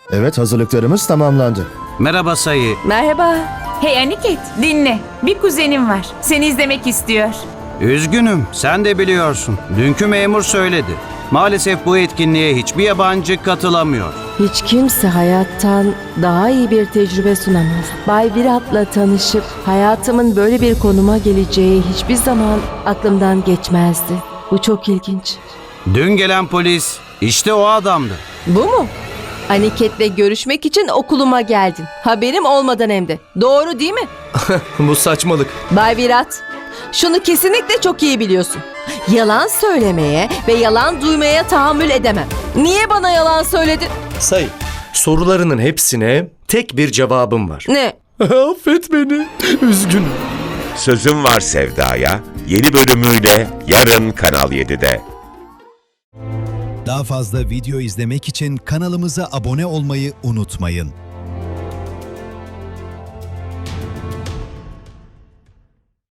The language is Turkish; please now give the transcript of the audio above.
Evet, hazırlıklarımız tamamlandı. Merhaba Sayı. Merhaba. Hey Aniket, dinle. Bir kuzenim var. Seni izlemek istiyor. Üzgünüm, sen de biliyorsun. Dünkü memur söyledi. Maalesef bu etkinliğe hiçbir yabancı katılamıyor. Hiç kimse hayattan daha iyi bir tecrübe sunamaz. Bay Virat'la tanışıp hayatımın böyle bir konuma geleceği hiçbir zaman aklımdan geçmezdi. Bu çok ilginç. Dün gelen polis işte o adamdı. Bu mu? Aniket'le görüşmek için okuluma geldin. Haberim olmadan hem de. Doğru değil mi? Bu saçmalık. Bay Virat, şunu kesinlikle çok iyi biliyorsun. Yalan söylemeye ve yalan duymaya tahammül edemem. Niye bana yalan söyledin? Say, sorularının hepsine tek bir cevabım var. Ne? Affet beni. Üzgünüm. Sözüm Var Sevda'ya yeni bölümüyle yarın Kanal 7'de. Daha fazla video izlemek için kanalımıza abone olmayı unutmayın.